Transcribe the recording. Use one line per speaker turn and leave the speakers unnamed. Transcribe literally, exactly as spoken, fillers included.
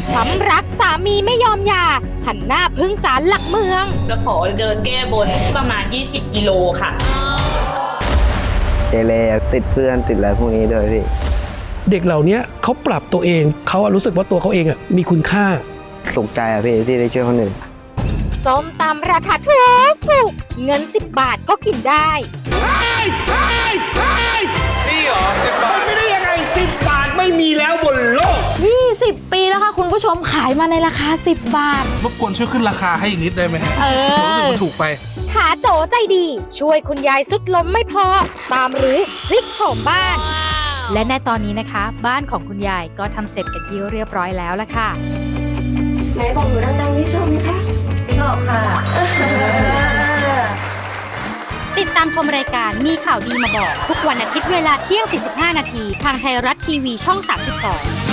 ช้ำรักสามีไม่ยอมหย่าหันหน้าพึ่งศาลหลักเมือง
จะขอเดินแก้บนประมาณยี่สิบกิโลค่ะ
เกเรติดเพื่อนติดอะไรพวกนี้ด้วยพี่
เด็กเหล่านี้เขาปรับตัวเองเขารู้สึกว่าตัวเขาเองอ่ะมีคุณค่า
สุขใจอะพี่ที่ได้ช่วยคนอื่น
ส้มตำราคาถูกถูกเงินสิบบาทก็กินได้
นี่เหรอสิบบาท
ไม่ได้ยังไงสิบบาทไม่มีแล้วบนโลก
ยี่สิบปีแล้วค่ะคุณผู้ชมขายมาในราคาสิบบาท
รบกวนช่วยขึ้นราคาให้อีกนิดได้ไหม
เออ
รู้สึกมันถูกไป
ขาโจใจดีช่วยคุณยายสุดล้มไม่พอตามรื้อพลิกโฉมบ้านและในตอนนี้นะคะบ้านของคุณยายก็ทำเสร็จเป็นที่เรียบร้อยแล้วละค่ะ
ไหนบอกหนูดังๆนี่ชอบไหมคะชอบค่ะ
ติดตามชมรายการมีข่าวดีมาบอกทุกวันอาทิตย์เวลาเที่ยงสี่สิบห้านาทีทางไทยรัฐทีวีช่องสามสิบสอง